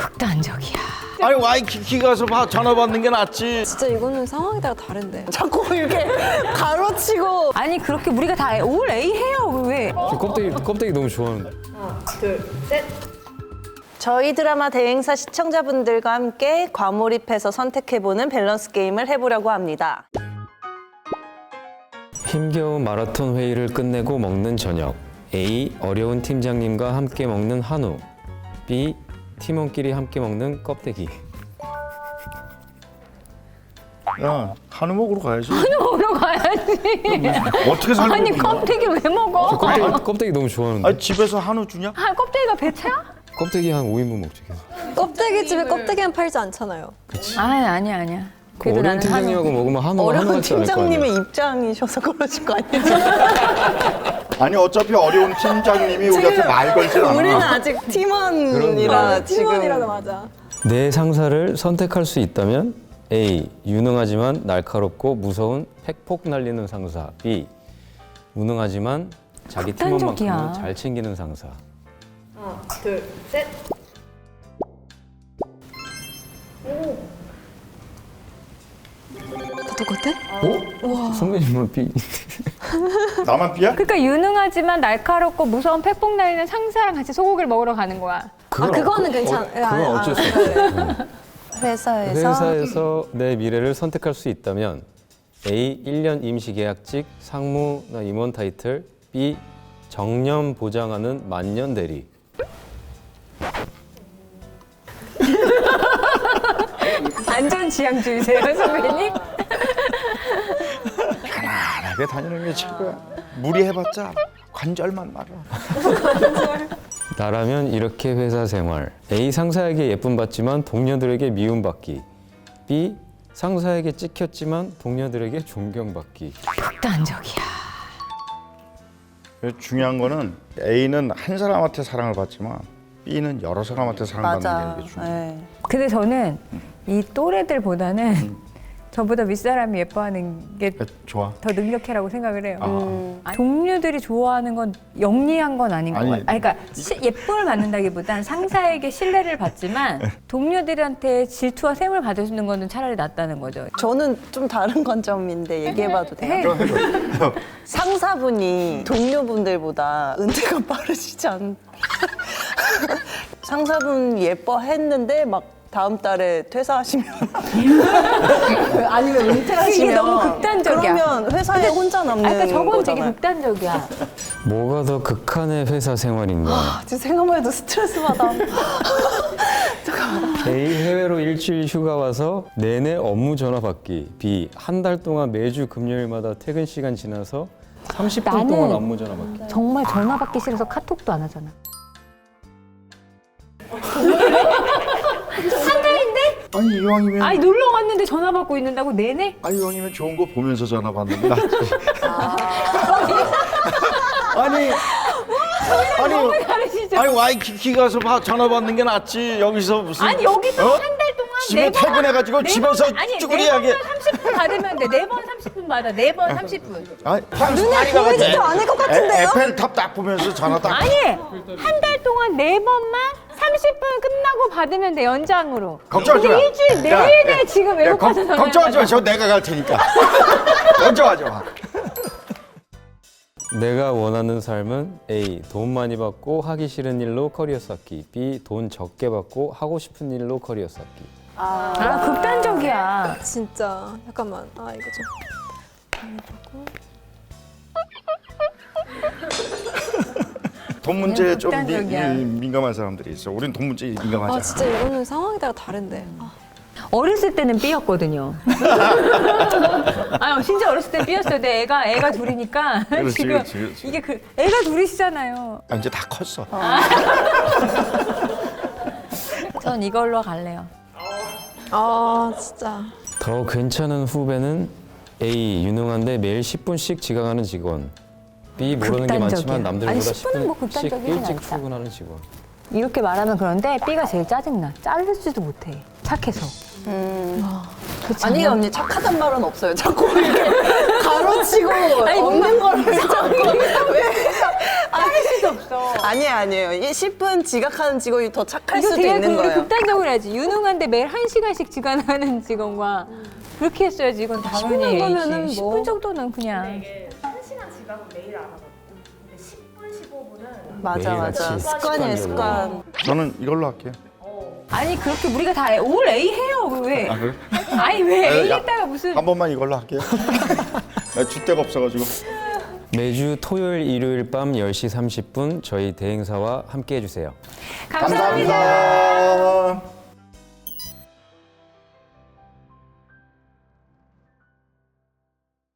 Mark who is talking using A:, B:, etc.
A: 극단적이야.
B: 아니 와이키키 가서 전화 받는 게 낫지.
C: 진짜 이거는 상황에 따라 다른데. 자꾸 이렇게 가로치고.
A: 아니 그렇게 우리가 다 올 A 해요. 왜?
D: 저 껍데기 너무 좋아하는데.
C: 저희 드라마 대행사 시청자분들과 함께 과몰입해서 선택해보는 밸런스 게임을 해보려고 합니다.
D: 힘겨운 마라톤 회의를 끝내고 먹는 저녁. A. 어려운 팀장님과 함께 먹는 한우. B. 팀원끼리 함께 먹는 껍데기.
B: 야 한우 먹으러 가야지.
A: 먹으러 가야지.
B: 어떻게 살고
A: 아니
B: 있는 거야?
A: 껍데기 왜 먹어?
D: 껍데기 너무 좋아하는데.
B: 아니 집에서 한우 주냐?
A: 아 껍데기가 배차야?
D: 껍데기 한 5인분 먹지 계속.
C: 껍데기 집에 껍데기는 팔지 않잖아요.
A: 아니야.
D: 그
A: 그래도
D: 어려운
A: 나는
D: 팀장님하고 먹으면 한우
C: 어려운
D: 같지 않을 거 아니야.
C: 팀장님의 입장이셔서 그러실 거 아니에요?
B: 아니 어차피 어려운 팀장님이 우리한테 말 걸질 않아.
C: 우리는 아직 팀원이라 지금. 팀원이라도 맞아.
D: 내 상사를 선택할 수 있다면 A. 유능하지만 날카롭고 무서운 팩폭 날리는 상사. B. 무능하지만 자기
A: 극단적이야.
D: 팀원만큼은 잘 챙기는 상사.
C: 똑같아?
D: 선배님은 B.
B: 나만 삐야?
A: 그러니까 유능하지만 날카롭고 무서운 팩폭 날리는 상사랑 같이 소고기를 먹으러 가는 거야.
C: 그거는 괜찮아.
D: 그건 어쩔 수 없어.
C: 회사에서
D: 내 미래를 선택할 수 있다면 A. 1년 임시 계약직 상무나 임원 타이틀. B. 정년 보장하는 만년 대리.
A: 안전지향주의세요 선배님?
B: 편안하게 다니는 게 최고야. 무리해봤자 관절만 말아.
D: 나라면 이렇게 회사 생활. A. 상사에게 예쁨 받지만 동료들에게 미움받기. B. 상사에게 찍혔지만 동료들에게 존경받기.
A: 극단적이야.
B: 중요한 거는 A는 한 사람한테 사랑을 받지만 B는 여러 사람한테 사랑받는
C: 맞아.
B: 게 중요해.
C: 네.
A: 근데 저는 이 또래들보다는 저보다 윗사람이 예뻐하는 게 더
B: 좋아.
A: 능력해라고 생각을 해요. 동료들이 좋아하는 건 영리한 건 아닌 것
B: 아니,
A: 같아요. 그러니까 예쁨을 받는다기보단 상사에게 신뢰를 받지만 동료들한테 질투와 샘을 받아주는 거는 차라리 낫다는 거죠.
C: 저는 좀 다른 관점인데 얘기해봐도 돼요? 상사분이 동료분들보다 은퇴가 빠르시지 않... 상사분 예뻐했는데 막 다음 달에 퇴사하시면 아니면 은퇴하시면
A: 이게 너무 극단적이야.
C: 그러면 회사에 혼자 남는
A: 그러니까 저건 되게
C: 거잖아요.
A: 극단적이야.
D: 뭐가 더 극한의 회사 생활인가?
C: 지금 생각만 해도 스트레스 받아.
D: A. 해외로 일주일 휴가 와서 내내 업무 전화 받기. B. 한 달 동안 매주 금요일마다 퇴근 시간 지나서 30분
A: 나는
D: 동안 업무 전화 받기.
A: 정말 전화 받기 싫어서 카톡도 안 하잖아.
B: 아니 이왕이면
A: 아니 놀러 갔는데 전화 받고 있는다고 내내?
B: 이왕이면 좋은 거 보면서 전화 받는 게 낫지. 아니
A: 다르시죠?
B: 아니 와이키키 가서 전화 받는 게 낫지. 여기서 무슨
A: 아니 여기서
B: 어?
A: 한 달 동안
B: 집에 퇴근해가지고 집에서 쭈구리하게.
A: 30분 받으면 돼. 4번 30분 받아. 4번 30분.
B: 눈에
C: 보이지도 않을 것 같은데요?
B: 에펠탑 딱 보면서 전화 딱.
A: 아니 한 달 동안 4번만 30분 끝나고 받으면 돼. 연장으로.
B: 걱정하지 마.
A: 우리 일주일 내내 지금 외국 가서 전화.
B: 걱정하지 마. 저 내가 갈 테니까. 걱정하지 마.
D: 내가 원하는 삶은 A. 돈 많이 받고 하기 싫은 일로 커리어 쌓기. B. 돈 적게 받고 하고 싶은 일로 커리어 쌓기.
A: 아 극단적이야.
C: 진짜 잠깐만. 이거
B: 돈 문제에 좀
A: 극단적이야.
B: 민감한 사람들이 있어. 우린 돈 문제에 민감하잖아.
C: 진짜 이거는 상황에 따라 다른데.
A: 어렸을 때는 B였거든요. 아 진짜 어렸을 때 B였어요. 근데 애가 둘이니까
B: 그렇지,
A: 지금
B: 그렇지.
A: 이게 애가 둘이시잖아요.
B: 이제 다 컸어.
A: 전 이걸로 갈래요.
C: 진짜.
D: 더 괜찮은 후배는 A. 유능한데 매일 10분씩 지각하는 직원. B. 모르는 게 많지만
A: 극단적이야.
D: 남들보다
A: 아니, 10분은 뭐
D: 10분씩
A: 극단적이진
D: 일찍
A: 않다.
D: 출근하는 직원.
A: 이렇게 말하면 그런데 B가 제일 짜증나. 자르지도 못해. 착해서. 그렇지
C: 아니
A: 않아요?
C: 언니 착하단 말은 없어요. 자꾸 이렇게 가로치고
A: 아니,
C: 없는 거를 자꾸 왜
A: 수도 없어.
C: 아니에요. 이 10분 지각하는 직원이 더 착할
A: 이거
C: 수도
A: 되게
C: 있는 거예요.
A: 극단적으로 해야지. 유능한데 매일 1시간씩 지각하는 직원과 그렇게 했어야지. 이건 당연히
C: 10분 정도면은
A: A지.
C: 뭐.
A: 10분 정도는 그냥.
E: 이게 1시간 지각은 매일 안 하거든요. 근데 10분, 15분은
C: 맞아.
D: 매일같이
C: 습관이에요, 습관.
B: 저는 이걸로 할게요.
A: 아니 그렇게 우리가 다 올 A 해요. 왜?
B: 아, 그래?
A: 아니 왜 A
B: 야,
A: 했다가 무슨
B: 한 번만 이걸로 할게요. 나 줏대가 없어가지고.
D: 매주 토요일, 일요일 밤 10시 30분 저희 대행사와 함께 해주세요.
A: 감사합니다.
B: 감사합니다.